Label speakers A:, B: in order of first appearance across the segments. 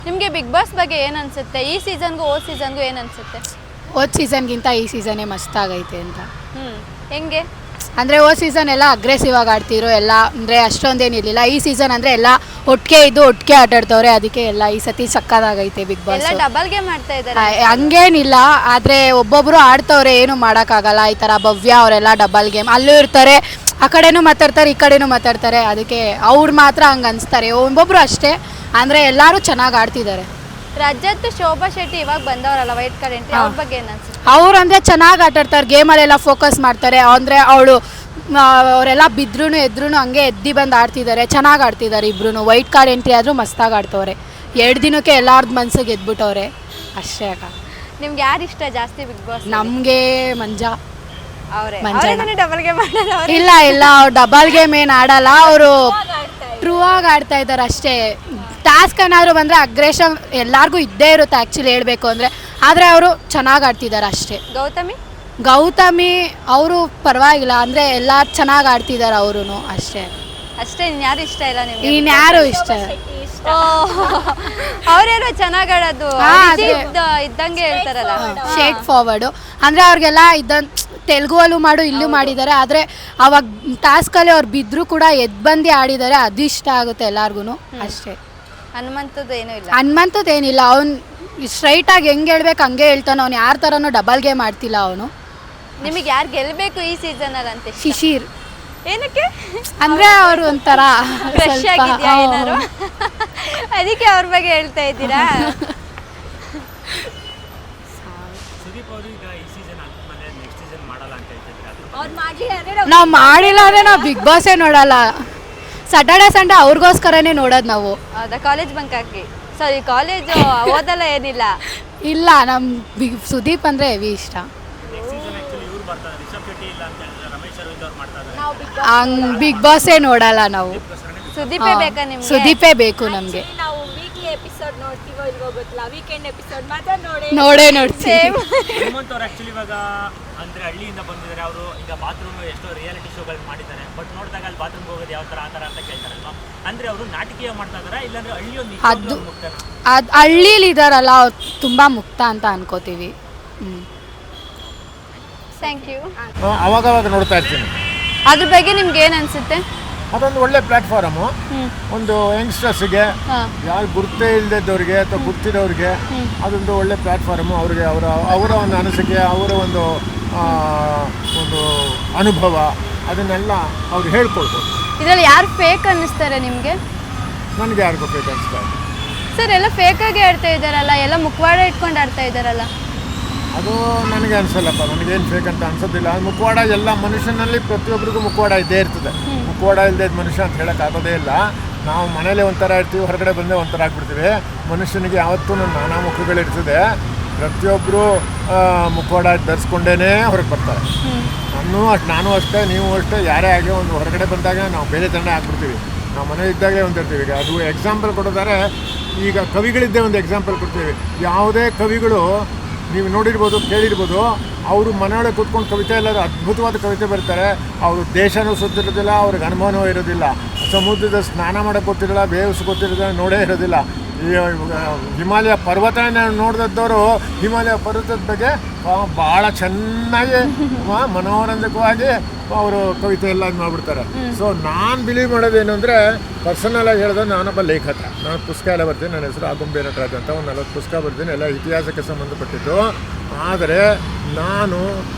A: ನಿಮಗೆ big boss ಬಗ್ಗೆ ಏನು ಅನ್ಸುತ್ತೆ? ಈ ಸೀಸನ್ಗೂ ಓ ಸೀಸನ್ಗೂ ಏನು ಅನ್ಸುತ್ತೆ?
B: ಹೋದ ಸೀಸನ್ಗಿಂತ ಈ ಸೀಸನ್ನೇ ಮಸ್ತಾಗೈತೆ ಅಂತ.
A: ಹೆಂಗೆ
B: ಅಂದರೆ ಹೋದ ಸೀಸನ್ ಎಲ್ಲ ಅಗ್ರೆಸಿವ್ ಆಗಿ ಆಡ್ತಿದ್ರು ಎಲ್ಲ, ಅಂದರೆ ಅಷ್ಟೊಂದೇನಿರಲಿಲ್ಲ. ಈ ಸೀಸನ್ ಅಂದರೆ ಎಲ್ಲ ಒಟ್ಟಿಗೆ ಇದ್ದು ಒಟ್ಟಿಗೆ ಆಟಾಡ್ತವ್ರೆ, ಅದಕ್ಕೆ ಎಲ್ಲ ಈ ಸತಿ ಸಕ್ಕದಾಗೈತೆ ಬಿಗ್ ಬಾಸ್.
A: ಎಲ್ಲ ಡಬಲ್ ಗೇಮ್ ಮಾಡ್ತಾ ಇದ್ದಾರೆ.
B: ಹಂಗೇನಿಲ್ಲ, ಆದರೆ ಒಬ್ಬೊಬ್ಬರು ಆಡ್ತವ್ರೆ, ಏನು ಮಾಡೋಕ್ಕಾಗಲ್ಲ. ಈ ಥರ ಭವ್ಯ ಅವರೆಲ್ಲ ಡಬಲ್ ಗೇಮ್ ಅಲ್ಲೂ ಇರ್ತಾರೆ, ಆ ಕಡೆನೂ ಮಾತಾಡ್ತಾರೆ ಈ ಕಡೆನೂ ಮಾತಾಡ್ತಾರೆ, ಅದಕ್ಕೆ ಅವ್ರು ಮಾತ್ರ ಹಂಗೆ ಅನಿಸ್ತಾರೆ. ಒಬ್ಬೊಬ್ಬರು ಅಷ್ಟೇ, ಅಂದರೆ ಎಲ್ಲರೂ ಚೆನ್ನಾಗಿ ಆಡ್ತಿದ್ದಾರೆ.
A: ರಜತ್ ಶೋಭಾ ಶೆಟ್ಟಿ ಇವಾಗ ಬಂದವರಲ್ಲ ವೈಟ್ ಕಾರ್ಡ್ ಎಂಟ್ರಿ, ಅವ್ರ ಬಗ್ಗೆ ಏನು ಅನ್ಸುತ್ತೆ?
B: ಅವ್ರು ಅಂದರೆ ಚೆನ್ನಾಗಿ ಆಟಾಡ್ತಾರೆ, ಗೇಮಲ್ಲೆಲ್ಲ ಫೋಕಸ್ ಮಾಡ್ತಾರೆ. ಅಂದರೆ ಅವರೆಲ್ಲ ಬಿದ್ರೂ ಎದ್ರೂ ಹಂಗೆ ಎದ್ದು ಬಂದು ಆಡ್ತಿದ್ದಾರೆ, ಚೆನ್ನಾಗಿ ಆಡ್ತಿದ್ದಾರೆ ಇಬ್ರು. ವೈಟ್ ಕಾರ್ಡ್ ಎಂಟ್ರಿ ಆದರೂ ಮಸ್ತಾಗಿ ಆಡ್ತವ್ರೆ. 2 ದಿನಕ್ಕೆ ಎಲ್ಲಾರ್ದು ಮನ್ಸಿಗೆ ಎದ್ಬಿಟ್ಟವ್ರೆ ಅಷ್ಟೇ ಅಕ್ಕ.
A: ನಿಮ್ಗೆ ಯಾರು ಇಷ್ಟ ಜಾಸ್ತಿ ಬಿಗ್ ಬಾಸ್?
B: ನಮಗೆ ಮಂಜಾ
A: ಅವರೇ
B: ಮಂಜಾನೆ.
A: ಡಬಲ್ ಗೇಮ್ ಮಾಡೋದು ಅವ್ರೆ?
B: ಇಲ್ಲ ಅವ್ರು ಡಬಲ್ ಗೇಮ್ ಏನು ಆಡಲ್ಲ, ಅವರು ಟ್ರೂ ಆಗಿ ಆಡ್ತಾ ಇದ್ದಾರೆ ಅಷ್ಟೇ. ಟಾಸ್ಕ್ ಏನಾದರೂ ಬಂದರೆ ಅಗ್ರೆಷನ್ ಎಲ್ಲರಿಗೂ ಇದ್ದೇ ಇರುತ್ತೆ ಆ್ಯಕ್ಚುಲಿ ಹೇಳಬೇಕು ಅಂದರೆ, ಆದರೆ ಅವರು ಚೆನ್ನಾಗಿ ಆಡ್ತಿದ್ದಾರೆ ಅಷ್ಟೇ. ಗೌತಮಿ ಅವರು ಪರವಾಗಿಲ್ಲ, ಅಂದರೆ ಎಲ್ಲ ಚೆನ್ನಾಗಿ ಆಡ್ತಿದ್ದಾರೆ ಅವರು ಅಷ್ಟೇ.
A: ಇನ್ಯಾರು ಇಷ್ಟ ಇಲ್ಲ ನಿಮ್ಗೆ?
B: ಇನ್ಯಾರು ಇಷ್ಟ
A: ಅವ್ರೇನೋ ಚೆನ್ನಾಗಿ ಆಡೋದು ಇದ್ದಂಗೆ ಹೇಳ್ತಾರಲ್ಲ,
B: ಶೇಕ್ ಫಾರ್ವರ್ಡು. ಅಂದರೆ ಅವ್ರಿಗೆಲ್ಲ ತೆಲುಗುವಲ್ಲೂ ಮಾಡು ಇಲ್ಲೂ ಮಾಡಿದ್ದಾರೆ, ಆದರೆ ಅವಾಗ ಟಾಸ್ಕಲ್ಲಿ ಅವ್ರು ಬಿದ್ದರೂ ಕೂಡ ಎದ್ದು ಬಂದು ಆಡಿದ್ದಾರೆ, ಅದು ಇಷ್ಟ ಆಗುತ್ತೆ ಎಲ್ಲರಿಗೂ ಅಷ್ಟೇ.
A: ಹನುಮಂತದ್ದು ಏನೂ ಇಲ್ಲ.
B: ಹನುಮಂತದ್ದೇನಿಲ್ಲ, ಅವ್ನು ಸ್ಟ್ರೈಟಾಗಿ ಹೆಂಗೆ ಹೇಳ್ಬೇಕು ಹಂಗೆ ಹೇಳ್ತಾನೆ. ಅವ್ನು ಯಾರ ಥರನೂ ಡಬಲ್ ಗೇಮ್ ಮಾಡ್ತಿಲ್ಲ ಅವನು.
A: ನಿಮಗೆ ಯಾರು ಗೆಲ್ಲಬೇಕು ಈ ಸೀಸನಲ್ಲಿ ಅಂತ?
B: ಶಿಶಿರ್.
A: ಏನಕ್ಕೆ?
B: ಅಂದರೆ ಅವರು ಒಂಥರ
A: ಕ್ರಶ್ ಆಗಿದೆಯಾ ಏನಾದ್ರು? ಅದಕ್ಕೆ ಅವ್ರ ಬಗ್ಗೆ ಹೇಳ್ತಾ ಇದ್ದೀರಾ?
B: ನಾವು ಮಾಡಿಲ್ಲ ಅಂದರೆ ನಾವು ಬಿಗ್ ಬಾಸೇ ನೋಡಲ್ಲ. ಸ್ಯಾಟರ್ಡೆ ಸಂಡೇ ಅವ್ರಿಗೋಸ್ಕರನೇ ನೋಡೋದು ನಾವು.
A: ಹೌದಾ? ಕಾಲೇಜ್ ಬಂಕ್ ಹಾಕಿ ಸಾರಿ ಕಾಲೇಜು ಓದಲ್ಲ ಏನಿಲ್ಲ?
B: ಇಲ್ಲ, ನಮ್ಮ ಸುದೀಪ್ ಅಂದರೆ ಹೆವಿ ಇಷ್ಟ. ಹಂಗೆ ಬಿಗ್ ಬಾಸೇ ನೋಡಲ್ಲ ನಾವು.
A: ಸುದೀಪೇ ಬೇಕಾ ನಿಮ್ಗೆ?
B: ಸುದೀಪೇ ಬೇಕು ನಮಗೆ.
C: ನಾವು ವೀಕ್ಲಿ ಎಪಿಸೋಡ್ ನೋಡ್ತೀವೋ ಇಲ್ವೋ ಗೊತ್ತಿಲ್ಲ, ವೀಕೆಂಡ್ ಎಪಿಸೋಡ್ ಮಾತ್ರ
B: ನೋಡ್ತೀವಿ.
D: ಹನುಮಂತ್ ಅವ್ರು ಆಕ್ಚುಲಿ ಇವಾಗ ಅಂದ್ರೆ ಹಳ್ಳಿಯಿಂದ ಬಂದಿದ್ದಾರೆ, ಅವರು ಈಗ ಬಾತ್ರೂಮ್ ಎಷ್ಟೋ ರಿಯಾಲಿಟಿ ಶೋಗಳು ಮಾಡಿದ್ದಾರೆ, ಬಟ್ ನೋಡಿದಾಗ ಅಲ್ಲಿ ಬಾತ್ರೂಮ್ ಹೋಗೋದು ಯಾವ ಥರ ಆ ಥರ ಅಂತ ಕೇಳ್ತಾರಲ್ವಾ, ಅಂದ್ರೆ ಅವರು ನಾಟಕೀಯ ಮಾಡ್ತಾ ಇದಾರೆ ಇಲ್ಲಾಂದ್ರೆ ಹಳ್ಳಿಯೊಂದು
B: ಅದು ಹಳ್ಳೀಲಿ ಇದಾರಲ್ಲ ಅವ್ರು ತುಂಬ ಮುಕ್ತ ಅಂತ ಅನ್ಕೋತೀವಿ.
A: Thank you.
E: ಅವಾಗವಾಗ ನೋಡ್ತಾ ಇರ್ತೀನಿ.
A: ಅದ್ರ ಬಗ್ಗೆ ನಿಮ್ಗೆ ಏನು ಅನ್ಸುತ್ತೆ?
E: ಅದೊಂದು ಒಳ್ಳೆ ಪ್ಲಾಟ್ಫಾರ್ಮು. ಒಂದು ಯಂಗ್ಸ್ಟರ್ಸ್ಗೆ, ಯಾರು ಗುರ್ತೇ ಇಲ್ಲದವ್ರಿಗೆ ಅಥವಾ ಗುರ್ತಿರೋರಿಗೆ ಅದೊಂದು ಒಳ್ಳೆ ಪ್ಲಾಟ್ಫಾರ್ಮು. ಅವರಿಗೆ ಅವರ ಒಂದು ಅನಿಸಿಕೆ, ಅವರ ಒಂದು ಅನುಭವ, ಅದನ್ನೆಲ್ಲ ಅವ್ರು ಹೇಳ್ಕೊಳ್ಬೋದು.
A: ಇದರಲ್ಲಿ ಯಾರು ಫೇಕ್ ಅನ್ನಿಸ್ತಾರೆ ನಿಮಗೆ?
E: ನನಗೆ ಯಾರಿಗೂ ಫೇಕ್ ಅನಿಸ್ತಾ ಇದೆ
A: ಸರ್. ಎಲ್ಲ ಫೇಕಾಗಿ ಆಡ್ತಾ ಇದ್ದಾರಲ್ಲ, ಎಲ್ಲ ಮುಖವಾಡ ಇಟ್ಕೊಂಡು ಆಡ್ತಾ ಇದ್ದಾರಲ್ಲ.
E: ಅದು ನನಗೆ ಅನಿಸಲ್ಲಪ್ಪ, ನನಗೇನು ಫೇಕ್ ಅಂತ ಅನಿಸೋದಿಲ್ಲ. ಮುಖವಾಡ ಎಲ್ಲ ಮನುಷ್ಯನಲ್ಲಿ ಪ್ರತಿಯೊಬ್ಬರಿಗೂ ಮುಖವಾಡ ಇದ್ದೇ ಇರ್ತದೆ. ಮುಖವಾಡ ಇಲ್ಲದೆ ಮನುಷ್ಯ ಅಂತ ಹೇಳೋಕ್ಕಾಗೋದೇ ಇಲ್ಲ. ನಾವು ಮನೇಲಿ ಒಂಥರ ಇರ್ತೀವಿ, ಹೊರಗಡೆ ಬಂದೇ ಒಂಥರ ಆಗ್ಬಿಡ್ತೀವಿ. ಮನುಷ್ಯನಿಗೆ ಯಾವತ್ತೂ ನಾನಾ ಮುಖಗಳಿರ್ತದೆ. ಪ್ರತಿಯೊಬ್ಬರು ಮುಖವಾಡ ಧರಿಸ್ಕೊಂಡೇ ಹೊರಗೆ ಬರ್ತಾರೆ. ನಾನು ಅಷ್ಟೇ, ನೀವು ಅಷ್ಟೇ, ಯಾರೇ ಆಗಿ ಒಂದು ಹೊರಗಡೆ ಬಂದಾಗ ನಾವು ಬೇರೆ ತಂಡ ಆಗ್ಬಿಡ್ತೀವಿ. ನಾವು ಮನೇಲಿ ಇದ್ದಾಗಲೇ ಒಂದಿರ್ತೀವಿ. ಈಗ ಅದು ಎಕ್ಸಾಂಪಲ್ ಕೊಡೋದಾದ್ರೆ, ಈಗ ಕವಿಗಳಿದ್ದೇ ಒಂದು ಎಕ್ಸಾಂಪಲ್ ಕೊಡ್ತೀವಿ. ಯಾವುದೇ ಕವಿಗಳು ನೀವು ನೋಡಿರ್ಬೋದು, ಕೇಳಿರ್ಬೋದು, ಅವರು ಮನೆಯೊಳಗೆ ಕೂತ್ಕೊಂಡು ಕವಿತೆ ಎಲ್ಲರೂ ಅದ್ಭುತವಾದ ಕವಿತೆ ಬರ್ತಾರೆ. ಅವರು ದೇಶನೂ ಸುತ್ತಿರೋದಿಲ್ಲ, ಅವ್ರಿಗೆ ಅನುಭವನೂ ಇರೋದಿಲ್ಲ, ಸಮುದ್ರದ ಸ್ನಾನ ಮಾಡೋಕ್ಕೆ ಗೊತ್ತಿರಲ್ಲ, ಬೇವ್ಸ್ ಗೊತ್ತಿರೋದಿಲ್ಲ, ನೋಡೇ ಇರೋದಿಲ್ಲ. ಈ ಹಿಮಾಲಯ ಪರ್ವತನ ನೋಡಿದವರು ಹಿಮಾಲಯ ಪರ್ವತದ ಬಗ್ಗೆ ಭಾಳ ಚೆನ್ನಾಗಿ ಮನೋರಂಜಕವಾಗಿ ಅವರು ಕವಿತೆ ಎಲ್ಲ ಇದು ಮಾಡಿಬಿಡ್ತಾರೆ. ಸೊ ನಾನು ಬಿಲೀವ್ ಮಾಡೋದೇನು ಅಂದರೆ, ಪರ್ಸನಲಾಗಿ ಹೇಳಿದ್ರೆ ನಾನೊಬ್ಬ ಲೇಖಕ. ನಾನು ಪುಸ್ತಕ ಎಲ್ಲ ಬರ್ತೀನಿ. ನನ್ನ ಹೆಸರು ಆಗುಂಬೆ ನಟರಾಜ್ ಅಂತ. ಒಂದು 40 ಪುಸ್ತಕ ಬರ್ತೀನಿ, ಎಲ್ಲ ಇತಿಹಾಸಕ್ಕೆ ಸಂಬಂಧಪಟ್ಟಿದ್ದು. ಆದರೆ ನಾನು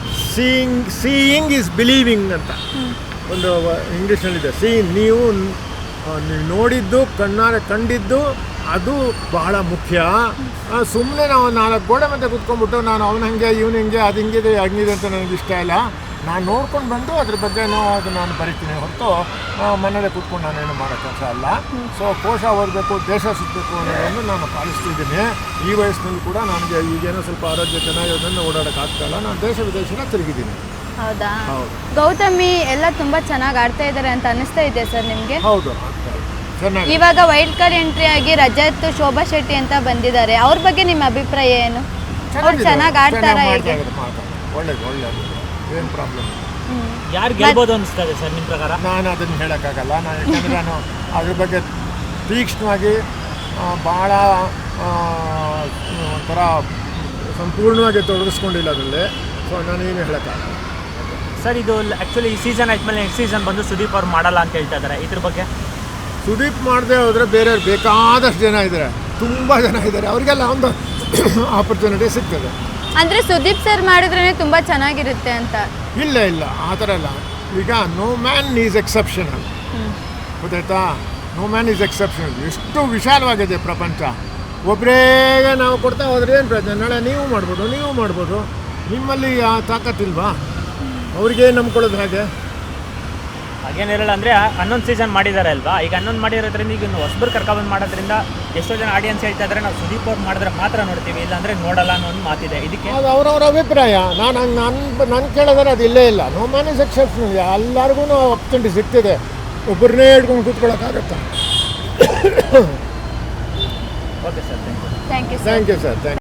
E: ಸೀಯಿಂಗ್ ಈಸ್ ಬಿಲೀವಿಂಗ್ ಅಂತ ಒಂದು ಇಂಗ್ಲೀಷ್ನಲ್ಲಿದೆ. ನೀವು ನೋಡಿದ್ದು, ಕಣ್ಣಾರೆ ಕಂಡಿದ್ದು, ಅದು ಬಹಳ ಮುಖ್ಯ. ಸುಮ್ಮನೆ ನಾವು 4 ಗೋಡೆ ಮಧ್ಯೆ ಕುತ್ಕೊಂಡ್ಬಿಟ್ಟು ನಾನು ಅವನು ಹಂಗೆ ಇವನು ಹಿಂಗೆ ಅದು ಹಿಂಗಿದೆ ಹಂಗಿದೆ ಅಂತ ನನಗೆ ಇಷ್ಟ ಇಲ್ಲ. ನಾನು ನೋಡ್ಕೊಂಡು ಬಂದು ಅದ್ರ ಬಗ್ಗೆನೂ ಅದು ನಾನು ಬರಿತೀನಿ ಹೊರತು ಮನೇಲೆ ಕೂತ್ಕೊಂಡು ನಾನೇನು ಮಾಡೋ ಕೆಲಸ ಅಲ್ಲ. ಸೊ ಕೋಶ ಓದಬೇಕು, ದೇಶ ಸುತ್ತಬೇಕು ಅನ್ನೋದನ್ನು ನಾನು ಪಾಲಿಸ್ತಿದ್ದೀನಿ. ಈ ವಯಸ್ಸಿನಲ್ಲಿ ಕೂಡ ನನಗೆ ಈಗೇನೋ ಸ್ವಲ್ಪ ಆರೋಗ್ಯ ಚೆನ್ನಾಗಿರೋದನ್ನು ಓಡಾಡೋಕ್ಕಾಗ್ತಾಯಿಲ್ಲ. ನಾನು ದೇಶ ವಿದೇಶನ ತಿರುಗಿದ್ದೀನಿ.
A: ಹೌದಾ? ಗೌತಮಿ ಎಲ್ಲ ತುಂಬ ಚೆನ್ನಾಗಿ ಆಡ್ತಾ ಇದ್ದಾರೆ ಅಂತ ಅನಿಸ್ತಾ ಇದೆ ಸರ್ ನಿಮಗೆ?
E: ಹೌದು,
A: ಇವಾಗ ವೈಲ್ಡ್ ಕಾರ್ಡ್ ಎಂಟ್ರಿ ಆಗಿ ರಜತ್ ಶೋಭಾ ಶೆಟ್ಟಿ ಅಂತ ಬಂದಿದ್ದಾರೆ, ಅವ್ರ ಬಗ್ಗೆ ನಿಮ್ಮ ಅಭಿಪ್ರಾಯ ಏನು? ಅವ್ರು ಚೆನ್ನಾಗಿ ಆಡ್ತಾರ? ಹೇಗೆ?
E: ಒಳ್ಳೇದು, ಏನು ಪ್ರಾಬ್ಲಮ್?
D: ಯಾರು ಗೆಲ್ಬೋದು ಅನಿಸ್ತದೆ ಸರ್ ನಿಮ್ಮ ಪ್ರಕಾರ?
E: ನಾನು ಅದನ್ನು ಹೇಳೋಕ್ಕಾಗಲ್ಲ. ಯಾಕಂದರೆ ನಾನು ಅದ್ರ ಬಗ್ಗೆ ತೀಕ್ಷ್ಣವಾಗಿ ಭಾಳ ಒಂಥರ ಸಂಪೂರ್ಣವಾಗಿ ತೊಡಗಿಸ್ಕೊಂಡಿಲ್ಲ ಅದರಲ್ಲಿ. ಸೊ ನಾನೇನು ಹೇಳೋಕ್ಕಾಗಲ್ಲ.
D: ಸರ್ ಇದು ಆ್ಯಕ್ಚುಲಿ ಈ ಸೀಸನ್ ಆದಮೇಲೆ ನೆಕ್ಸ್ಟ್ ಸೀಸನ್ ಬಂದು ಸುದೀಪ್ ಅವ್ರು ಮಾಡಲ್ಲ ಅಂತ ಹೇಳ್ತಾ ಇದ್ದಾರೆ. ಇದ್ರ ಬಗ್ಗೆ
E: ಸುದೀಪ್ ಮಾಡದೆ ಹೋದರೆ ಬೇರೆಯವ್ರು ಬೇಕಾದಷ್ಟು ಜನ ಇದ್ದಾರೆ, ತುಂಬ ಜನ ಇದ್ದಾರೆ, ಅವರಿಗೆಲ್ಲ ಒಂದು ಆಪರ್ಚುನಿಟಿ ಸಿಗ್ತದೆ.
A: ಅಂದ್ರೆ ಸುದೀಪ್ ಸರ್ ಮಾಡಿದ್ರೇ ತುಂಬಾ ಚೆನ್ನಾಗಿರುತ್ತೆ ಅಂತ.
E: ಇಲ್ಲ ಇಲ್ಲ ಆ ಥರ ಇಲ್ಲ. ಈಗ ನೋ ಮ್ಯಾನ್ ಈಸ್ ಎಕ್ಸೆಪ್ಷನಲ್, ಗೊತ್ತಾಯ್ತಾ? No man is exceptional. ಎಷ್ಟು ವಿಶಾಲವಾಗಿದೆ ಪ್ರಪಂಚ. ಒಬ್ಬರೇ ನಾವು ಕೊಡ್ತಾ ಹೋದ್ರೆ ಏನು ಪ್ರಯೋಜನ? ನಾಳೆ ನೀವು ಮಾಡ್ಬೋದು. ನಿಮ್ಮಲ್ಲಿ ಆ ತಾಕತ್ತಿಲ್ವಾ? ಅವ್ರಿಗೆ ನಂಬ್ಕೊಳ್ಳೋದು ಹಾಗೆ.
D: ಹಾಗೇನಿರಲ್ಲ ಅಂದರೆ 11 ಸೀಸನ್ ಮಾಡಿದ್ದಾರೆ ಅಲ್ವಾ? ಈಗ 11 ಮಾಡಿರೋದ್ರಿಂದ ಈಗ ಹೊಸಬರು ಕರ್ಕೊಬಂದು ಮಾಡೋದ್ರಿಂದ ಎಷ್ಟೋ ಜನ ಆಡಿಯನ್ಸ್ ಹೇಳ್ತಾ ಇದ್ದಾರೆ ನಾವು ಸುದೀಪ್ ಅವ್ರು ಮಾಡಿದ್ರೆ ಮಾತ್ರ ನೋಡ್ತೀವಿ, ಇಲ್ಲಾಂದರೆ ನೋಡಲ್ಲ ಅನ್ನೋ ಒಂದು ಮಾತಿದೆ. ಇದಕ್ಕೆ
E: ಅದು ಅವ್ರವ್ರ ಅಭಿಪ್ರಾಯ. ನಾನು ಕೇಳಿದ್ರೆ ಅದು ಇಲ್ಲೇ ಇಲ್ಲ. No man is exceptional. ಎಲ್ಲರಿಗೂ ಆಪರ್ಚುನಿಟಿ ಸಿಗ್ತಿದೆ. ಒಬ್ಬರನ್ನೇ ಹಿಡ್ಕೊಂಡು ಕೂತ್ಕೊಳ್ಳೋಕ್ಕಾಗತ್ತಾ?
D: Okay sir,
A: thank you
E: thank you sir.